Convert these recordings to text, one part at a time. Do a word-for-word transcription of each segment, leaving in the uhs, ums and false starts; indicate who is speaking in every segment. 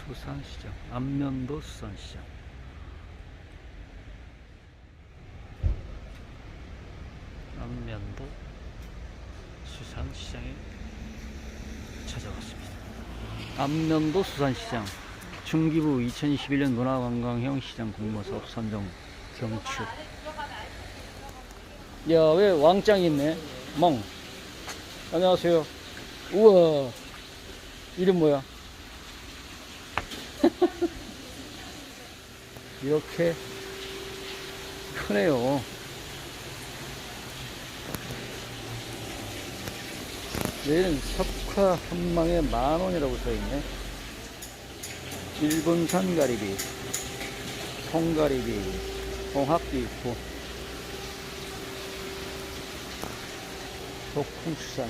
Speaker 1: 수산시장, 안면도 수산시장. 안면도 수산시장에 찾아왔습니다. 안면도 수산시장 중기부 이천이십일 년 문화관광형 시장 공모사업 선정 경축. 야, 왜 왕짱이 있네? 멍. 안녕하세요. 우와, 이름 뭐야? 이렇게 크네요. 얘는 석화 한 망에 만 원이라고 써있네. 일본산 가리비, 통가리비, 홍합도 있고, 독풍수산,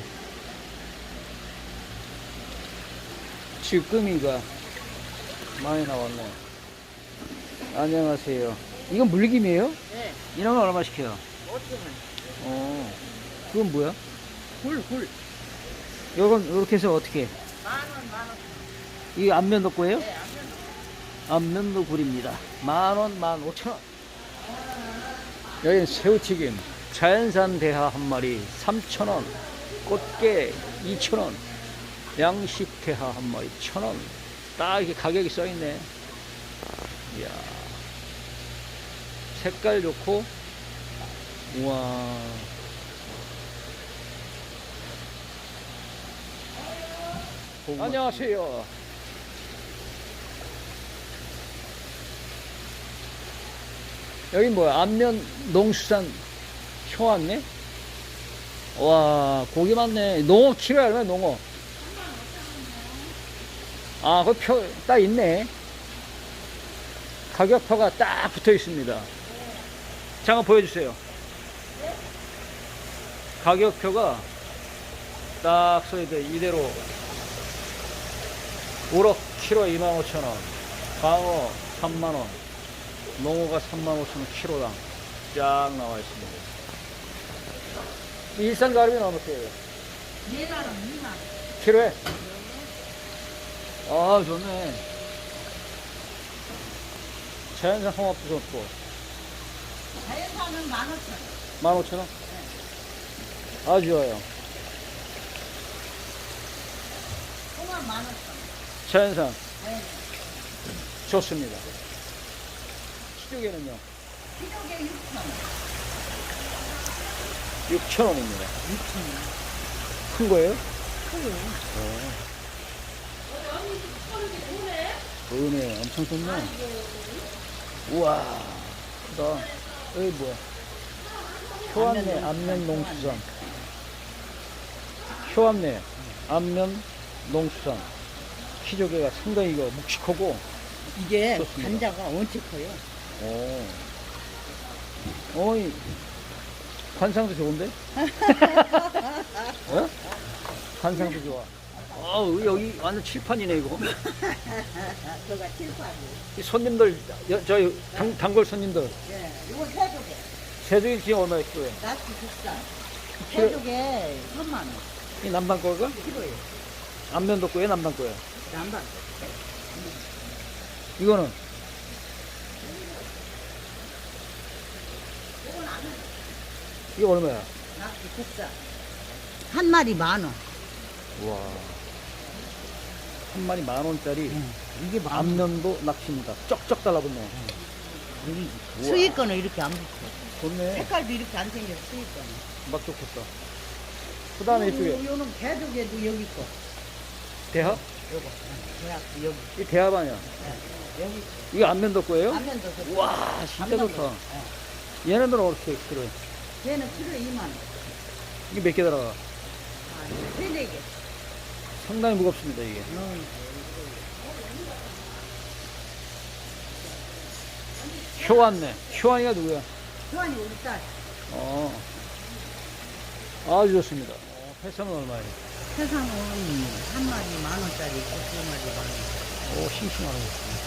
Speaker 1: 쭈꾸미가 많이 나왔네. 안녕하세요. 이건 물김이에요?
Speaker 2: 네.
Speaker 1: 이런 건 얼마 시켜요?
Speaker 2: 오천 원.
Speaker 1: 어, 그건 뭐야?
Speaker 2: 굴, 굴.
Speaker 1: 이건 이렇게 해서 어떻게?
Speaker 2: 만 원, 만 원.
Speaker 1: 이게 안면도 거예요?
Speaker 2: 네, 안 돼도.
Speaker 1: 안면도 굴입니다. 만 원, 만 오천 원. 여기는 새우튀김, 자연산 대하 한 마리 삼천 원, 꽃게 이천 원, 양식 대하 한 마리 천 원. 딱 이렇게 가격이 써 있네. 이야, 색깔 좋고, 우와. 안녕하세요. 여기 뭐야? 안면 농수산 효왔네? 와, 고기 많네. 농어 키로에 얼마야, 농어? 아, 그 표, 딱 있네. 가격표가 딱 붙어 있습니다. 잠깐 보여주세요. 가격표가 딱 써있대. 이대로. 우럭 키로에 이만 오천 원, 광어 삼만 원, 농어가 삼만 오천 원 키로당 쫙 나와 있습니다. 일산 가리비는 얼마짜리예요?
Speaker 2: 이만 원, 이만 원.
Speaker 1: 키로에? 아, 좋네. 자연산 홍합도 좋고.
Speaker 2: 자연산은 만 오천 원.
Speaker 1: 만 오천 원? 아주 좋아요.
Speaker 2: 홍합 만 오천 원.
Speaker 1: 자연산
Speaker 2: 네.
Speaker 1: 좋습니다. 키조개는요?
Speaker 2: 키로에 육천 원.
Speaker 1: 육천 원입니다.
Speaker 2: 육천 원.
Speaker 1: 큰 거예요?
Speaker 2: 크요.
Speaker 1: 은혜 엄청 좋네. 우와, 크다. 여기 뭐야? 효암내 안면 농수산. 효암내 안면 농수산. 키조개가 상당히 이거 묵직하고.
Speaker 2: 이게
Speaker 1: 좋습니다.
Speaker 2: 간자가 원체 커요.
Speaker 1: 오. 어이, 관상도 좋은데? 어? 관상도 좋아. 어우, 여기 완전 칠판이네, 이거.
Speaker 2: 그가 칠판이.
Speaker 1: 이 손님들, 여, 저희 단, 단골 손님들.
Speaker 2: 예, 이거 새조개.
Speaker 1: 새조개 지금 얼마에 키로에?
Speaker 2: 낫이 비싸.
Speaker 1: 키로-
Speaker 2: 새조개 삼만 원.
Speaker 1: 이 남방 거가?
Speaker 2: 키로에.
Speaker 1: 안면도 거예요, 남방 거예요?
Speaker 2: 남반.
Speaker 1: 이거는? 이거 얼마야?
Speaker 2: 낫이 비싸. 한 마리 만 원.
Speaker 1: 와. 한 마리 만 원짜리.
Speaker 2: 이게 만 원.
Speaker 1: 안면도 낚시입니다. 쩍쩍 달라붙네.
Speaker 2: 여기
Speaker 1: 우와.
Speaker 2: 수익권은 이렇게 안 붙어.
Speaker 1: 좋네.
Speaker 2: 색깔도 이렇게 안 생겨, 수익권은.
Speaker 1: 막 좋겠다. 그 다음에 이쪽에
Speaker 2: 요는 개조개도 여기 있고.
Speaker 1: 대합?
Speaker 2: 요거. 대학도 여기.
Speaker 1: 이 대합 아니야?
Speaker 2: 네, 여기.
Speaker 1: 이거 안면도 거예요?
Speaker 2: 안면도 좋고.
Speaker 1: 우와, 진짜
Speaker 2: 안면도.
Speaker 1: 좋다.
Speaker 2: 네.
Speaker 1: 얘네들은 어떻게 키로에?
Speaker 2: 얘는 키로에 이만 원.
Speaker 1: 이게 몇 개 들어가?
Speaker 2: 아, 세, 네 개.
Speaker 1: 상당히 무겁습니다, 이게.
Speaker 2: 음.
Speaker 1: 효안네. 효안이가 누구야?
Speaker 2: 교환이 우리 딸.
Speaker 1: 어. 아주 좋습니다. 어, 회사는 얼마예요?
Speaker 2: 세상은 한 마리 만 원짜리 있고 두 마리 만 원.
Speaker 1: 오, 싱싱하네.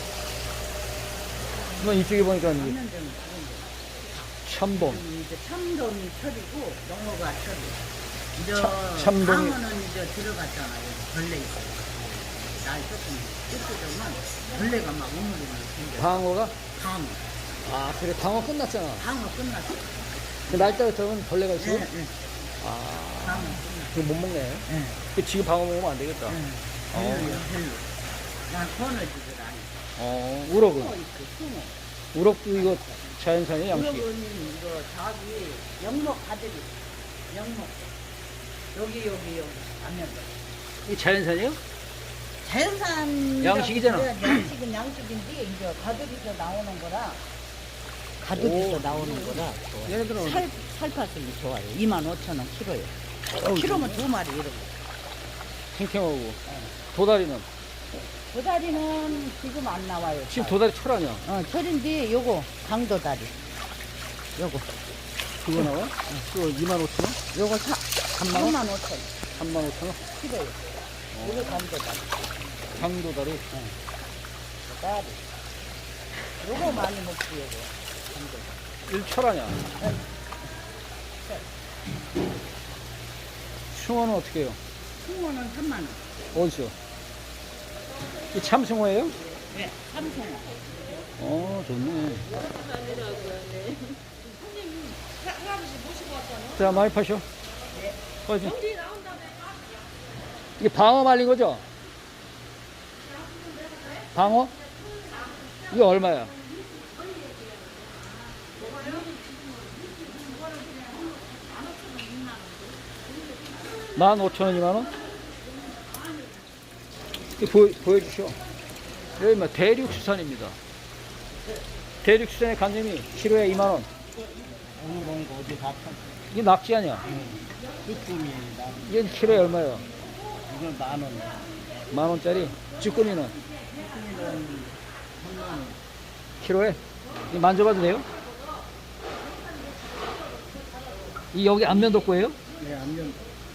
Speaker 1: 이건 이쪽에 보니까 이제
Speaker 2: 삼년 전에
Speaker 1: 참돔.
Speaker 2: 지금 이제 참돔이 철이고 농어가 철이. 이제
Speaker 1: 참- 참돔이-
Speaker 2: 방어는 이제 들어갔잖아요. 벌레 있어요. 날 조금 이렇게 되면 벌레가 막 우물우물 생겨.
Speaker 1: 방어가?
Speaker 2: 방어.
Speaker 1: 아, 그래. 방어 끝났잖아.
Speaker 2: 방어 끝났어.
Speaker 1: 그 날짜가 되면 벌레가 있어?
Speaker 2: 예, 예.
Speaker 1: 아,
Speaker 2: 방어 끝났어.
Speaker 1: 그거 못 먹네.
Speaker 2: 예.
Speaker 1: 그 지금 방어 먹으면 안 되겠다.
Speaker 2: 예. 별로야, 별로. 난 권어지들 안 해.
Speaker 1: 어,
Speaker 2: 숭어
Speaker 1: 우럭은?
Speaker 2: 있고, 숭어.
Speaker 1: 우럭도 이거 자연산이야, 양식?
Speaker 2: 우럭은 이거 저기 영목 가득 있어. 영목. 여기, 여기, 여기. 안면도.
Speaker 1: 이 자연산이에요?
Speaker 2: 자연산
Speaker 1: 양식이잖아.
Speaker 2: 양식은 양식인데 이제 가들이서 나오는 거라 가들이서
Speaker 1: 오.
Speaker 2: 나오는 거라
Speaker 1: 얘네들은
Speaker 2: 살 살파슴이 좋아요. 이만 오천 원 키로에.
Speaker 1: 어우,
Speaker 2: 키로면 두 마리 이렇게.
Speaker 1: 탱탱하고. 도다리는?
Speaker 2: 도다리는 지금 안 나와요.
Speaker 1: 지금
Speaker 2: 잘.
Speaker 1: 도다리 철 아니야?
Speaker 2: 어 철인데 요거 강도다리. 요거
Speaker 1: 그거 나와? 그거 이만 오천 원?
Speaker 2: 요거 사
Speaker 1: 삼만 원?
Speaker 2: 삼만 오천 원
Speaker 1: 삼만 오천 원?
Speaker 2: 키로에. 요거 강도다리.
Speaker 1: 강도다리?
Speaker 2: 도다리. 요거 많이 먹지 요거. 강도다리.
Speaker 1: 일철 아니야? 숭어는 어떻게 해요?
Speaker 2: 숭어는 삼만 원.
Speaker 1: 어디서? 이 참숭어예요?
Speaker 2: 네, 삼성어.
Speaker 1: 어, 좋네. 자, 많이 파셔. 빠지. 이게 방어 말린 거죠? 방어? 이게 얼마야? 만 오천 원, 이만 원? 이거 보여, 보여주시오. 여기 뭐 대륙수산입니다. 대륙수산의 간점이 키로에 이만 원.
Speaker 2: 오늘 거 어디 다 판.
Speaker 1: 이게 낙지 아니야?
Speaker 2: 쭈꾸미 나
Speaker 1: 이건 키로에 얼마야?
Speaker 2: 이건 만 원.
Speaker 1: 만 원짜리. 쭈꾸미는
Speaker 2: 쭈꾸미는 삼만 원.
Speaker 1: 키로에? 이거 만져봐도 돼요? 이 여기 안면도 거예요?
Speaker 2: 네, 안면.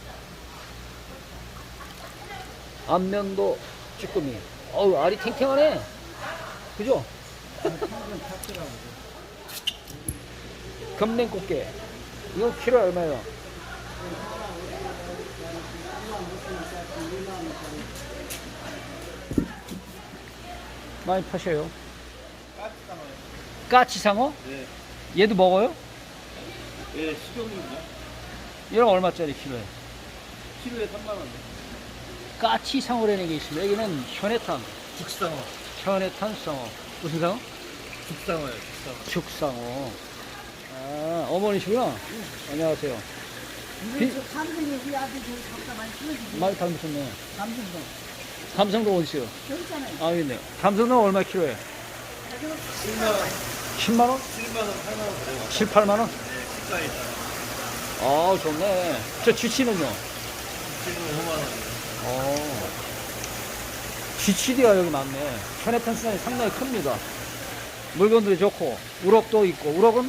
Speaker 1: 안면도 쭈꾸미. 어우, 알이 탱탱하네. 그죠?
Speaker 2: 평균 탔더라고.
Speaker 1: 금냉꽃게. 이거 키로에 얼마예요? 많이 파셔요. 까치상어?
Speaker 3: 네,
Speaker 1: 얘도 먹어요?
Speaker 3: 예, 식용입니다.
Speaker 1: 얘는 얼마짜리 키로에?
Speaker 3: 키로에 삼만 원.
Speaker 1: 까치상어라는 게 있습니다. 여기는 현해탄,
Speaker 3: 죽상어.
Speaker 1: 현해탄 상어. 무슨 상어?
Speaker 3: 죽상어요, 죽상어.
Speaker 1: 죽상어. 아, 어머니시구나. 안녕하세요. 비-
Speaker 2: 이거 저 감성이 우리 아들 저기 갖다 많이 키워주지.
Speaker 1: 많이 닮으셨네.
Speaker 2: 감성도.
Speaker 1: 감성도 어디 있어요?
Speaker 2: 저기 있잖아요.
Speaker 1: 아, 있네요. 감성도 얼마 키로에?
Speaker 3: 칠만 원,
Speaker 1: 십만 원?
Speaker 3: 칠만 원, 팔만 원 그래요.
Speaker 1: 칠, 팔만 원?
Speaker 3: 네, 식사에 따라.
Speaker 1: 아, 좋네. 저 쥐치는요?
Speaker 3: 지금 오만 원.
Speaker 1: 어. 쥐치디가 여기 많네. 현해탄 수산이 상당히 큽니다. 물건들이 좋고, 우럭도 있고, 우럭은?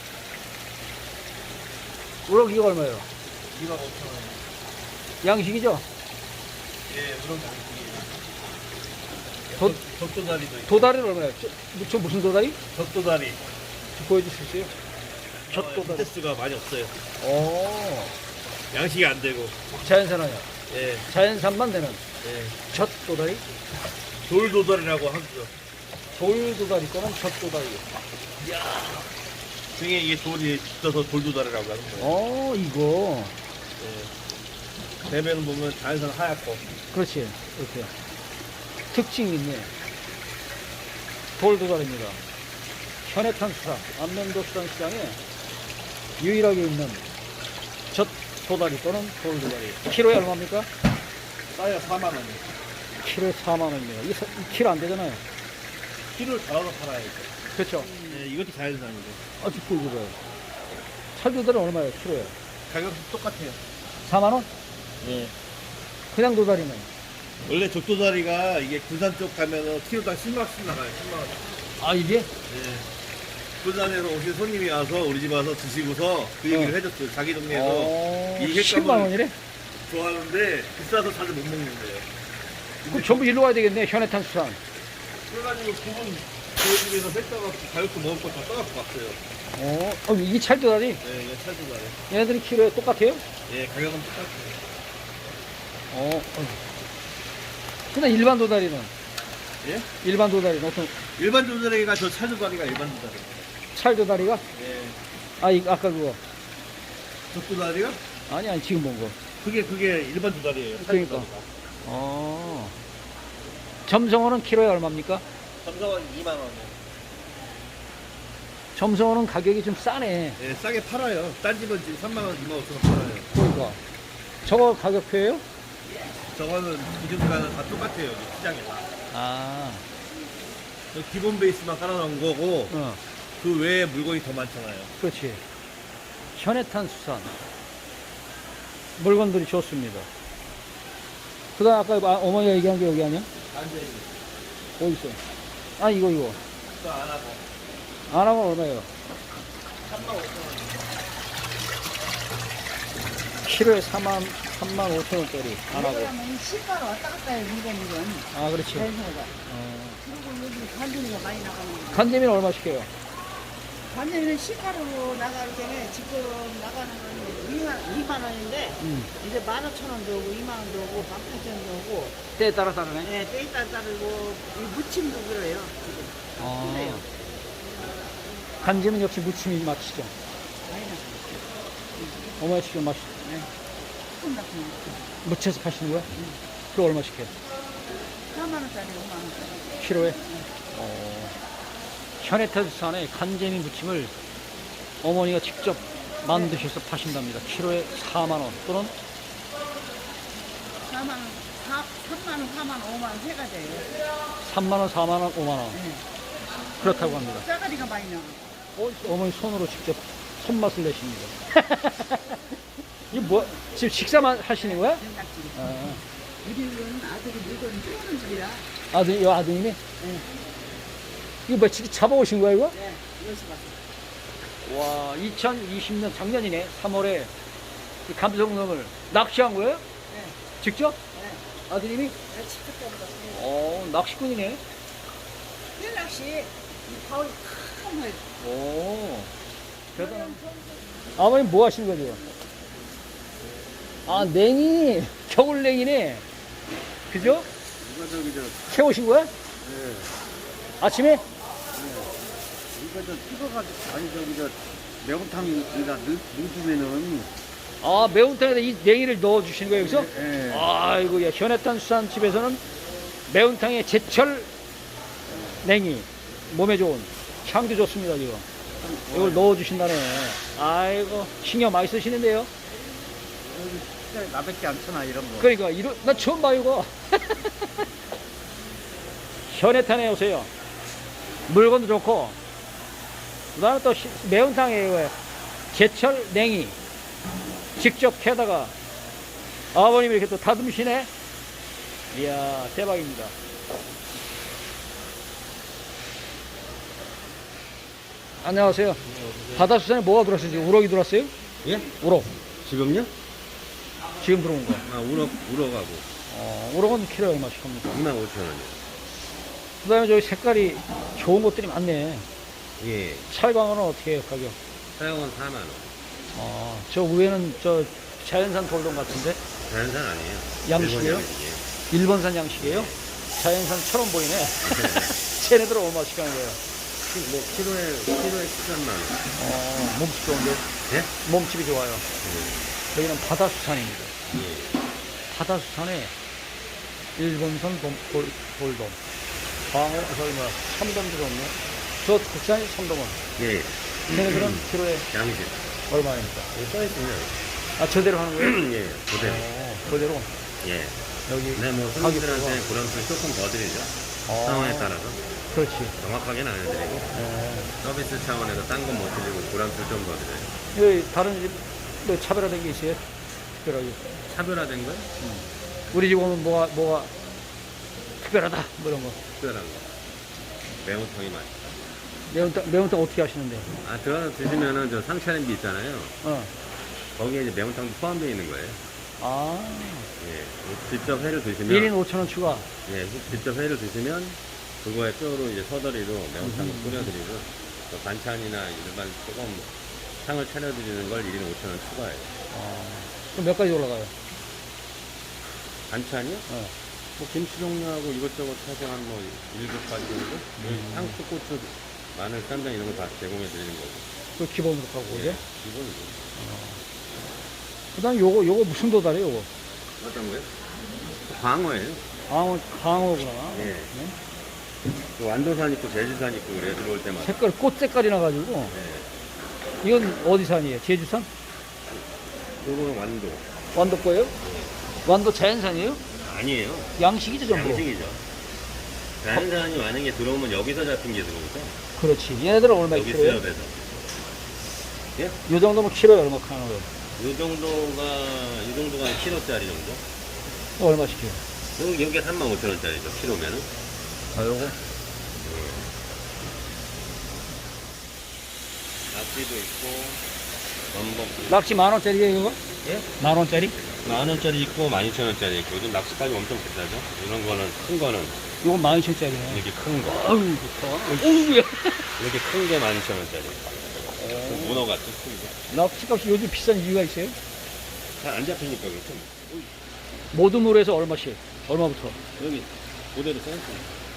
Speaker 1: 우럭 이거 얼마예요?
Speaker 3: 이만 오천 원.
Speaker 1: 양식이죠?
Speaker 3: 예, 그런 거 아니에요.
Speaker 1: 도,
Speaker 3: 젖도다리도 있고.
Speaker 1: 도다리는 얼마예요? 저, 저 무슨 도다리?
Speaker 3: 젖도다리.
Speaker 1: 저 보여줄 수 있어요? 젖도다리.
Speaker 3: 횟수가 많이 없어요.
Speaker 1: 오.
Speaker 3: 양식이 안 되고.
Speaker 1: 자연산 아니야?
Speaker 3: 예,
Speaker 1: 자연산만 되는
Speaker 3: 예.
Speaker 1: 젖도다리?
Speaker 3: 돌도다리라고 하죠.
Speaker 1: 돌도다리 거는 젖도다리.
Speaker 3: 등에 이게 돌이 붙어서 돌도다리라고 하는 거예요.
Speaker 1: 어, 이거.
Speaker 3: 예. 대면은 보면 자연산 하얗고.
Speaker 1: 그렇지. 이렇게. 특징이 있네. 돌도다리입니다. 현해탄 수산, 안면도 수산 시장에 유일하게 있는 젖도다리 또는 돌도다리. 키로에 얼마입니까?
Speaker 3: 싸야 사만 원.
Speaker 1: 키로에 사만 원입니다. 이게 사- 이 키로 안 되잖아요.
Speaker 3: 키로를 달아서 팔아야죠.
Speaker 1: 그렇죠.
Speaker 3: 예, 이것도 자연산이죠.
Speaker 1: 아, 듣고 이거 봐요. 찰도다리 얼마예요? 키로에?
Speaker 3: 가격도 똑같아요.
Speaker 1: 사만 원?
Speaker 3: 예.
Speaker 1: 그냥 도다리는?
Speaker 3: 원래 족도다리가 이게 군산 쪽 가면은 키로당 십만 원씩 나가요. 십만 원.
Speaker 1: 아, 이게?
Speaker 3: 예. 군산에서 오신 손님이 와서 우리 집 와서 드시고서 그 얘기를
Speaker 1: 어.
Speaker 3: 해줬어요. 자기 동네에서
Speaker 1: 어,
Speaker 3: 이 횟감을
Speaker 1: 십만 원이래?
Speaker 3: 좋아하는데 비싸서 자주 못 먹는데요.
Speaker 1: 그럼 전부 일로 와야 되겠네, 현해탄 수산.
Speaker 3: 그래가지고 두분 저희 집에서 뺐다가 가격도 먹을 거 다 떠갖고 왔어요.
Speaker 1: 어, 어 이게 찰도다리?
Speaker 3: 네, 이거 찰도다리.
Speaker 1: 얘네들이 키로에 똑같아요?
Speaker 3: 예, 가격은 똑같아요.
Speaker 1: 어, 어. 근데 일반 도다리는?
Speaker 3: 예?
Speaker 1: 일반 도다리는 어떤,
Speaker 3: 일반 도다리가 저 찰도다리가 일반 도다리.
Speaker 1: 찰 도다리가?
Speaker 3: 예.
Speaker 1: 아, 이, 아까 그거.
Speaker 3: 족도다리가?
Speaker 1: 아니, 아니, 지금 본 거.
Speaker 3: 그게 그게 일반 도다리예요.
Speaker 1: 그러니까. 어. 점성어는 키로에 얼마입니까?
Speaker 3: 점성은 이만 원이요.
Speaker 1: 점성어는 가격이 좀 싸네.
Speaker 3: 예, 싸게 팔아요. 딴 집은 지금 삼만 원, 이만 오천 원 팔아요.
Speaker 1: 그러니까. 저거 가격표예요?
Speaker 3: 저거는 기준가는 다 똑같아요. 여기 시장에 다.
Speaker 1: 아,
Speaker 3: 저 기본 베이스만 깔아놓은 거고
Speaker 1: 어,
Speaker 3: 그 외에 물건이 더 많잖아요.
Speaker 1: 그렇지. 현해탄 수산. 물건들이 좋습니다. 그 다음 아까 아, 어머니가 얘기한 게 여기 아니야?
Speaker 3: 안돼.
Speaker 1: 어디 있어? 아, 이거, 이거.
Speaker 3: 그거 안 하고
Speaker 1: 안 하면 얼마예요?
Speaker 3: 삼만 오천 원.
Speaker 1: 키로에 사만, 삼만 오천 원짜리. 안 하고.
Speaker 2: 그러면 시가로 왔다 갔다 해 물건이 건.
Speaker 1: 아, 그렇지.
Speaker 2: 대소가.
Speaker 1: 어.
Speaker 2: 그리고 요즘 간장이가 많이 나가는 거.
Speaker 1: 간재미는 얼마씩 해요?
Speaker 2: 간장은 시가로 나갈 때는 지금 나가는 건 이만, 이만 원인데
Speaker 1: 음.
Speaker 2: 이제 만 오천 원도 오고 이만 원도 오고 만 팔천 원도 오고
Speaker 1: 때에 따라 다르네.
Speaker 2: 네, 때에 따라 다르고 이 무침도 그래요 지금.
Speaker 1: 아.
Speaker 2: 그래요.
Speaker 1: 간재는 역시 무침이 맛이죠.
Speaker 2: 많이 나가요.
Speaker 1: 어머니 지금 맛이
Speaker 2: 네. 조금 같은 거.
Speaker 1: 무쳐서 파시는 거야? 그거 얼마씩 해요?
Speaker 2: 사만 원짜리 오만 원짜리.
Speaker 1: 키로에? 어, 현해탄수산의 간재미 무침을 어머니가 직접 만드셔서 파신답니다. 키로에 사만 원 또는
Speaker 2: 사만 원, 사, 삼만 원, 사만 원, 오만 원 세 가지예요.
Speaker 1: 삼만 원, 사만 원, 오만 원.
Speaker 2: 네.
Speaker 1: 그렇다고 합니다.
Speaker 2: 짜가리가 많이 나와.
Speaker 1: 어, 어머니 손으로 직접 손맛을 내십니다. 이거 뭐, 지금 식사만 하시는 거야?
Speaker 2: 된장찌개.
Speaker 1: 아,
Speaker 2: 우리는 아들이 물건 키우는 집이라.
Speaker 1: 아들, 이 아드님이?
Speaker 2: 네.
Speaker 1: 이거 뭐, 직접 잡아오신 거야, 이거?
Speaker 2: 네. 여기서 봤어.
Speaker 1: 와, 이천이십 년 작년이네. 삼월에 이 감성돔을 낚시한 거예요?
Speaker 2: 네.
Speaker 1: 직접?
Speaker 2: 네.
Speaker 1: 아드님이?
Speaker 2: 내가 직접 잡아봤어요.
Speaker 1: 어, 낚시꾼이네.
Speaker 2: 낚시 이 바울이 큰 거예요.
Speaker 1: 오, 대단한. 아버님 뭐 하시는 거죠? 아, 냉이, 겨울 냉이네. 그죠?
Speaker 3: 이거 저기 저
Speaker 1: 캐오신 거야?
Speaker 3: 네.
Speaker 1: 아침에?
Speaker 3: 이거 저 찍어가지고 아니 저기 저 매운탕이나 넣으면은
Speaker 1: 아, 매운탕에다 이 냉이를 넣어 주시는 거예요, 여기서?
Speaker 3: 예.
Speaker 1: 아이고, 야, 현해탄 수산집에서는 매운탕에 제철 냉이, 몸에 좋은, 향도 좋습니다, 지금. 이걸 넣어 주신다네. 아이고, 신경 많이 쓰시는데요?
Speaker 3: 여기 나밖에 안 쳐나 이런 거.
Speaker 1: 그러니까, 이런, 나 처음 봐, 이거. 현해탄에 오세요. 물건도 좋고, 그 다음에 또 시- 매운탕에 이거 제철 냉이. 직접 캐다가 아버님이 이렇게 또 다듬으시네. 이야, 대박입니다. 안녕하세요. 바다수산에 뭐가 들어왔어요? 지금 우럭이 들어왔어요?
Speaker 3: 예?
Speaker 1: 우럭.
Speaker 3: 지금요?
Speaker 1: 지금 들어온 거.
Speaker 3: 아 우럭 우럭하고
Speaker 1: 어, 우럭은 키로에 얼마씩 합니까?
Speaker 3: 이만 오천 원이요.
Speaker 1: 그 다음에 저기 색깔이 좋은 것들이 많네.
Speaker 3: 예.
Speaker 1: 찰광어는 어떻게 해요, 가격?
Speaker 3: 사용은 사만 원.
Speaker 1: 어, 저 위에는 저 자연산 돌돔 같은데?
Speaker 3: 자연산 아니에요.
Speaker 1: 양식이에요?
Speaker 3: 일본 양식이에요.
Speaker 1: 일본산 양식이에요? 자연산처럼 보이네. 쟤네들 얼마씩 하는 거예요?
Speaker 3: 뭐 키로에 키로에 십삼만 원.
Speaker 1: 어, 몸집 좋은데?
Speaker 3: 예?
Speaker 1: 몸집이 좋아요. 여기는 바다수산입니다.
Speaker 3: 예.
Speaker 1: 바다수산에 일본산 돔, 돌, 돌돔. 광어, 저기 뭐야, 참돔도 좋네. 저 국산이 참돔은.
Speaker 3: 예.
Speaker 1: 얘네들은 키로에
Speaker 3: 양식.
Speaker 1: 얼마입니까?
Speaker 3: 여기 써 있으면
Speaker 1: 아, 저대로 하는 거예요?
Speaker 3: 예. 그대로.
Speaker 1: 어, 그대로.
Speaker 3: 예.
Speaker 1: 여기.
Speaker 3: 네, 뭐
Speaker 1: 가격표가-
Speaker 3: 손님들한테 고람수를 조금 더 드리죠.
Speaker 1: 어,
Speaker 3: 상황에 따라서
Speaker 1: 그렇지.
Speaker 3: 정확하게는 안 해드리고
Speaker 1: 어.
Speaker 3: 서비스 차원에서 딴 건 못 드리고 고람수를 좀 더 드려요.
Speaker 1: 여기 다른 집, 뭐 차별화된 게 있어요? 특별하게.
Speaker 3: 차별화된 건
Speaker 1: 우리 집 오면 뭐가, 뭐가 특별하다. 뭐 이런 거.
Speaker 3: 특별한 거. 매운탕이 맛있다.
Speaker 1: 매운탕, 매운탕 어떻게 하시는데?
Speaker 3: 아, 들어가서 드시면은 저 상차림비 있잖아요.
Speaker 1: 어.
Speaker 3: 거기에 이제 매운탕도 포함되어 있는 거예요.
Speaker 1: 아,
Speaker 3: 예. 직접 회를 드시면
Speaker 1: 일 인 오천 원 추가.
Speaker 3: 예, 직접 회를 드시면 그거에 뼈로 이제 서더리로 매운탕을
Speaker 1: 음.
Speaker 3: 뿌려드리고 또 반찬이나 일반 조금 상을 차려드리는 걸 일 인 오천 원 추가해요.
Speaker 1: 어. 그럼 몇 가지 올라가요?
Speaker 3: 반찬이요?
Speaker 1: 어.
Speaker 3: 뭐 김치 종류하고 이것저것 사서 한뭐 일곱 가지 정도?
Speaker 1: 음.
Speaker 3: 상추, 고추, 마늘, 쌈장 이런 거 다 제공해 드리는 거고.
Speaker 1: 그 기본으로 하고, 그죠?
Speaker 3: 기본이죠.
Speaker 1: 그 다음 요거, 요거 무슨 도다리요, 요거?
Speaker 3: 어떤 거요? 광어예요.
Speaker 1: 강어, 강어구나.
Speaker 3: 예.
Speaker 1: 네?
Speaker 3: 그 완도산 있고 제주산 있고 그래 들어올 때마다.
Speaker 1: 색깔, 꽃 색깔이 나가지고.
Speaker 3: 예.
Speaker 1: 이건 어디 산이에요? 제주산?
Speaker 3: 요거는 완도.
Speaker 1: 완도 거예요? 완도 자연산이에요?
Speaker 3: 아니에요.
Speaker 1: 양식이죠, 전부.
Speaker 3: 양식이죠. 자연산이 만약에 들어오면 여기서 잡힌 게 들어오죠.
Speaker 1: 그렇지. 얘네들은 얼마
Speaker 3: 여기
Speaker 1: 키로예요?
Speaker 3: 수협에서. 예?
Speaker 1: 요 정도면 키로에 얼마 하는 거예요?
Speaker 3: 요 정도가, 이 정도가 한 킬로짜리 정도?
Speaker 1: 어, 얼마씩 해요?
Speaker 3: 여기, 여기가 삼만 오천 원짜리죠, 킬로면은.
Speaker 1: 아, 요거?
Speaker 3: 낙지도 있고, 전복.
Speaker 1: 낙지 만 원짜리예요, 이거?
Speaker 3: 예?
Speaker 1: 만 원짜리?
Speaker 3: 만 원짜리 있고, 만 이천 원짜리 있고, 요즘 낙지까지 엄청 비싸죠? 이런 거는, 큰 거는,
Speaker 1: 요건 만 이천짜리네.
Speaker 3: 이렇게 큰 거.
Speaker 1: 아유, 좋다. 어우야.
Speaker 3: 이렇게 큰 게 만 이천 원짜리. 그 문어 같죠, 큰 게.
Speaker 1: 낙지 값이 요즘 비싼 이유가 있어요?
Speaker 3: 잘 안 잡히니까 그렇죠.
Speaker 1: 모둠으로 얼마씩? 얼마부터?
Speaker 3: 여기, 그대로 써있습니다.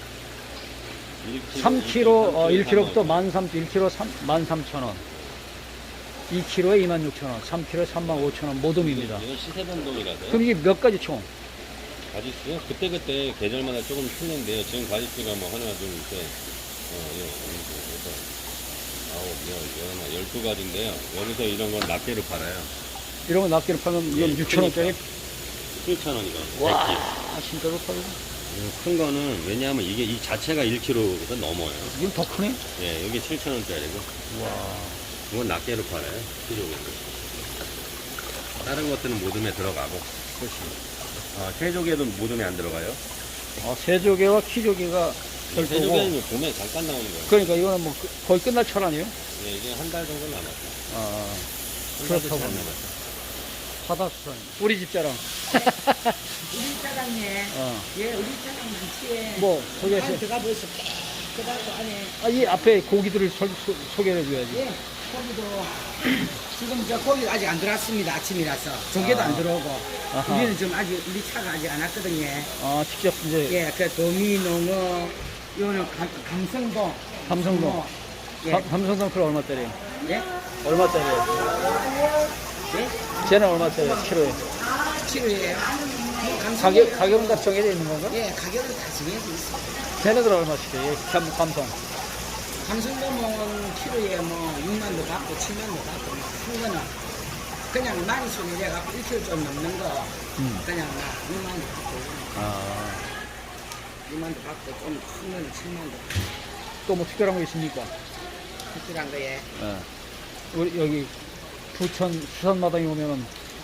Speaker 1: 삼 킬로그램, 어, 일 킬로그램부터 만 삼, 일 킬로그램 만 삼천 원. 이 킬로그램에 이만 육천 원, 삼 킬로그램에 삼만 오천 원 모둠입니다.
Speaker 3: 이건 시세변동이라서.
Speaker 1: 그럼 이게 몇 가지 총?
Speaker 3: 가지수요? 그때그때 계절마다 조금 틀린데요. 지금 가지수가 뭐 하나, 둘, 셋, 어, 예, 여섯, 아홉, 열, 열, 열두 가지인데요. 여기서 이런 건 낱개로 팔아요.
Speaker 1: 이런 거 낱개로 팔면 이건
Speaker 3: 예,
Speaker 1: 육천 원짜리?
Speaker 3: 칠천 원 이거.
Speaker 1: 와, 진짜 좋다.
Speaker 3: 큰 거는 왜냐하면 이게 이 자체가 일 킬로그램보다 넘어요.
Speaker 1: 이건 더 크네?
Speaker 3: 예, 여기 칠천 원짜리고.
Speaker 1: 와.
Speaker 3: 이건 낱개로 팔아요. 키로그램. 다른 것들은 모둠에 들어가고.
Speaker 1: 그렇지.
Speaker 3: 아, 새조개도 모둠에 안 들어가요.
Speaker 1: 아, 세조개와 키조개가 별도고.
Speaker 3: 새조개는 봄에 잠깐 나오는 거예요.
Speaker 1: 그러니까 이거는 뭐 그- 거의 끝날 철 아니에요?
Speaker 3: 예, 이게 한 달 정도 남았어요.
Speaker 1: 아,
Speaker 3: 한 달도
Speaker 1: 그렇다고
Speaker 3: 잘
Speaker 1: 합니다.
Speaker 3: 남았어요.
Speaker 1: 바다수산. 우리 집 자랑.
Speaker 2: 우리 사장님,
Speaker 1: 어.
Speaker 2: 예, 우리 사장 많지에.
Speaker 1: 뭐, 소개해서.
Speaker 2: 안에 들어가 보시오. 그다고 안에,
Speaker 1: 아, 이 앞에 고기들을 소, 소, 소개해 줘야지.
Speaker 2: 예, 거기도 지금 저 고기 아직 안 들어왔습니다. 아침이라서 조개도
Speaker 1: 아.
Speaker 2: 안 들어오고.
Speaker 1: 아하.
Speaker 2: 우리는 지금 아직 우리 차가 아직 안 왔거든요.
Speaker 1: 아, 직접 이제
Speaker 2: 예, 그 도미, 농어, 요는 감, 감성동.
Speaker 1: 감성동.
Speaker 2: 농어. 예,
Speaker 1: 삼- 삼성동 킬로 얼마짜리?
Speaker 2: 예,
Speaker 1: 얼마짜리예요?
Speaker 2: 예,
Speaker 1: 쟤는 얼마짜리예요? 키로에?
Speaker 2: 키로예요. 감성동.
Speaker 1: 가격, 가격은 다 정해져 있는 건가?
Speaker 2: 예, 가격은 다 정해져 있어요.
Speaker 1: 쟤네들 얼마씩 해요? 감, 감성.
Speaker 2: 감성돔은 키로에 뭐 육만도 받고 칠만도 받고 뭐큰 거는 그냥 많이 손이래 갖고 일 킬로그램 좀 넘는 거
Speaker 1: 음.
Speaker 2: 그냥 막 육만도 받고
Speaker 1: 아,
Speaker 2: 육만도 받고 좀 큰 거는 칠만도 받고
Speaker 1: 또 뭐 특별한 거 있습니까?
Speaker 2: 특별한 거에
Speaker 1: 예. 우리 여기 부천 수산마당에 오면은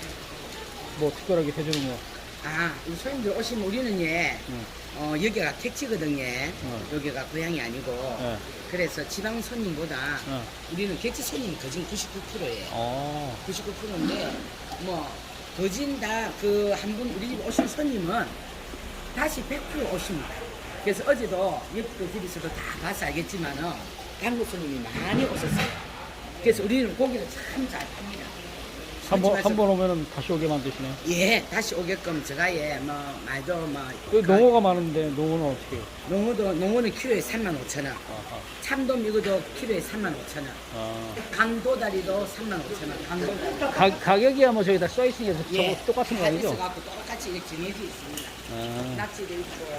Speaker 1: 뭐 특별하게 해주는 거.
Speaker 2: 아, 우리 손님들 오시면 우리는 예,
Speaker 1: 응.
Speaker 2: 어, 여기가 택지거든요.
Speaker 1: 응.
Speaker 2: 여기가 고향이 아니고.
Speaker 1: 예.
Speaker 2: 그래서 지방 손님보다
Speaker 1: 응.
Speaker 2: 우리는 객지 손님이 거진 구십구 퍼센트예요.
Speaker 1: 어.
Speaker 2: 구십구 퍼센트인데, 뭐, 거진 다 그 한 분 우리 집 오신 손님은 다시 백 퍼센트 오십니다. 그래서 어제도 옆에 집에서도 다 봐서 알겠지만은 한국 손님이 많이 오셨어요. 그래서 우리는 고기를 참 잘 팝니다.
Speaker 1: 한 번,
Speaker 2: 솔직히
Speaker 1: 한 번 오면은 다시 오게 만드시네.
Speaker 2: 예, 다시 오게끔 제가 예, 뭐, 말도 뭐.
Speaker 1: 그 농어가 많은데 농어는 어떻게 해요?
Speaker 2: 농어도, 농어는 키로에 삼만 오천 원.
Speaker 1: 아하.
Speaker 2: 참돔 이거도 키로에 삼만 오천 원.
Speaker 1: 아.
Speaker 2: 강도다리도 삼만 오천 원. 강도다리.
Speaker 1: 가, 가격이야 뭐 저기 다 써있으니까 저거
Speaker 2: 예,
Speaker 1: 똑같은 거
Speaker 2: 다
Speaker 1: 아니죠?
Speaker 2: 있어갖고 똑같이 이렇게 정해져 있습니다.
Speaker 1: 아,
Speaker 2: 낙지도 있고.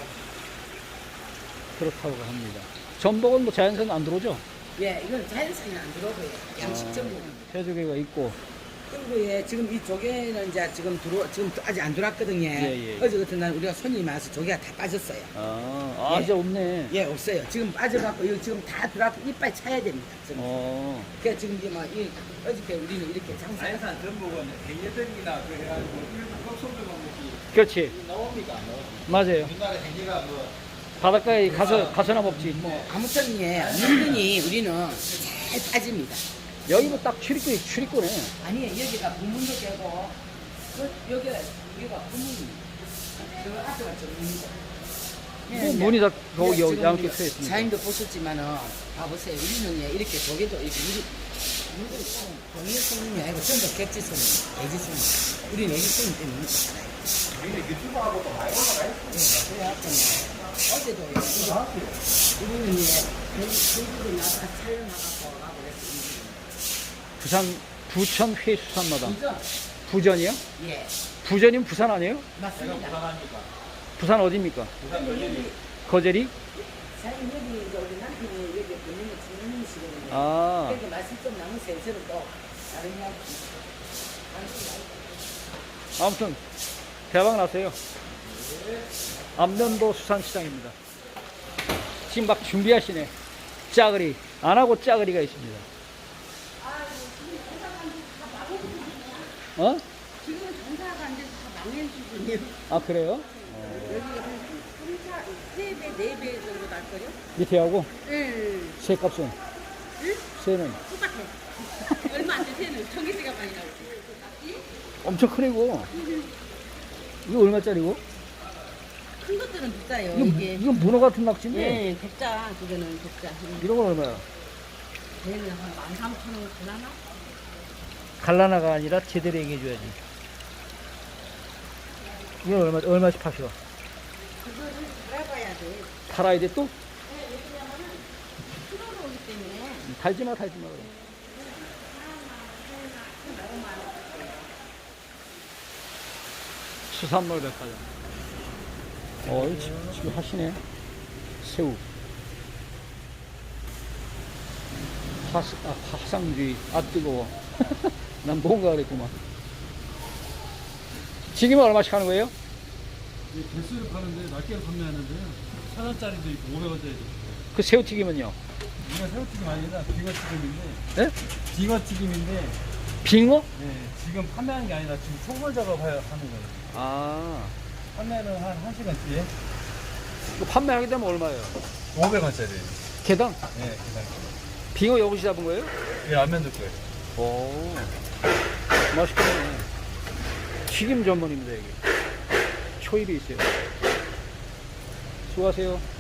Speaker 1: 그렇다고 합니다. 전복은 뭐 자연산 안 들어오죠?
Speaker 2: 예, 이건 자연산이 안 들어오고요. 양식 전복입니다.
Speaker 1: 새조개가 있고.
Speaker 2: 그리고 예, 지금 이 조개는 이제 지금 들어, 지금 아직 안 들어왔거든요.
Speaker 1: 예, 예.
Speaker 2: 어제 같은 날 우리가 손님이 와서 조개가 다 빠졌어요.
Speaker 1: 아, 아
Speaker 2: 예.
Speaker 1: 이제 없네.
Speaker 2: 예, 없어요. 지금 빠져갖고 이거 지금 다 들어왔고 이빨 차야 됩니다. 지금.
Speaker 1: 어.
Speaker 2: 그래서 지금 이제 막 이, 어저께 우리는 이렇게 장사.
Speaker 4: 자연산 전복은 행예들이나 그래가지고 일부 껍질만 먹지
Speaker 1: 그렇지.
Speaker 4: 나옵니까?
Speaker 1: 맞아요.
Speaker 4: 우리나라 행예가 뭐
Speaker 1: 바닷가에 가서, 가서나 먹지.
Speaker 2: 뭐 아무튼 예, 은근히 우리는 잘 빠집니다.
Speaker 1: 여기 뭐 딱 출입구, 출입구네.
Speaker 2: 아니 여기가 부문도 깨고 그, 여기가 여기가 부문입니다. 저 앞에가 정문이고.
Speaker 1: 뭐 문이 다 거기
Speaker 2: 지금
Speaker 1: 양쪽
Speaker 2: 우리가
Speaker 1: 트여 있습니다.
Speaker 2: 사장님도 보셨지만은 봐보세요. 우리는 예, 이렇게 조개도 이렇게 우리 우리들이 참 동일 손님이 아니고 전부 객지 손님, 애지 손님. 우리는 애지 손님 때문에 먹고 살아요.
Speaker 4: 유튜브하고도 많이 올라가 있어.
Speaker 2: 그래갖고 어제도 우리는 이제 제주도 나서 촬영하고 가고 그랬어.
Speaker 1: 부산 부천 회수산마당.
Speaker 2: 그죠?
Speaker 1: 부전이요?
Speaker 2: 예,
Speaker 1: 부전이면 부산 아니에요?
Speaker 2: 맞습니다.
Speaker 1: 부산 어디입니까?
Speaker 4: 부산 거제리.
Speaker 1: 거제리?
Speaker 2: 사장님 여기 이제 우리 남편이 여기 본인의 주민이시거든요.
Speaker 1: 아,
Speaker 2: 그러니까 말씀 좀 나누세요. 저는 또 다른 이야기.
Speaker 1: 아무튼 대박 났어요. 안면도 수산시장입니다. 지금 막 준비하시네. 짜글이 안 하고 짜글이가 있습니다. 어?
Speaker 5: 지금은 장사가 안 돼서 다 망한 수준이에요.
Speaker 1: 아 그래요?
Speaker 5: 여기 한 삼, 사, 세 배, 네 배 정도 날걸요?
Speaker 1: 밑에하고
Speaker 5: 응.
Speaker 1: 새 값은? 새는
Speaker 5: 똑같아. 얼마 안 돼, 새는. 전기세가 많이 나오지.
Speaker 1: 엄청 크고. 이거 얼마짜리고?
Speaker 5: 큰 것들은 비싸요,
Speaker 1: 이거,
Speaker 5: 이게.
Speaker 1: 이건 문어 같은 낙지인데
Speaker 5: 예, 백자, 그거는 백자. 응.
Speaker 1: 이런 건 얼마야?
Speaker 5: 얘는 한 만 삼천 원 갈라나?
Speaker 1: 갈라나가 아니라 제대로 얘기해줘야지. 이건 얼마, 얼마씩 파셔?
Speaker 5: 그거를 갈아봐야 돼.
Speaker 1: 팔아야 돼 또?
Speaker 5: 풀어서 오기 때문에.
Speaker 1: 달지 마, 달지 마. 그럼. 수산물 백화점. 어, 이 지금, 지금 하시네. 새우. 화스, 아, 화상주의. 아, 뜨거워. 난 뭔가 그랬구만. 지금은 얼마씩 하는 거예요?
Speaker 6: 개수를 파는데 낱개로 판매하는데요. 천 원짜리도 있고 오백 원짜리도 있고.
Speaker 1: 그 새우튀김은요?
Speaker 6: 이거 새우튀김 아니라 빙어튀김인데.
Speaker 1: 네?
Speaker 6: 빙어튀김인데.
Speaker 1: 빙어?
Speaker 6: 네, 지금 판매하는 게 아니라 지금 총괄 작업하는 거예요.
Speaker 1: 아,
Speaker 6: 판매는 한 1시간 뒤에
Speaker 1: 이거 판매하게 되면 얼마예요?
Speaker 6: 오백 원짜리.
Speaker 1: 개당?
Speaker 6: 네, 계산.
Speaker 1: 빙어 여기서 잡은 거예요?
Speaker 6: 예, 안 만들 거예요.
Speaker 1: 오, 맛있겠네. 튀김 전문입니다, 여기. 초입이 있어요. 수고하세요.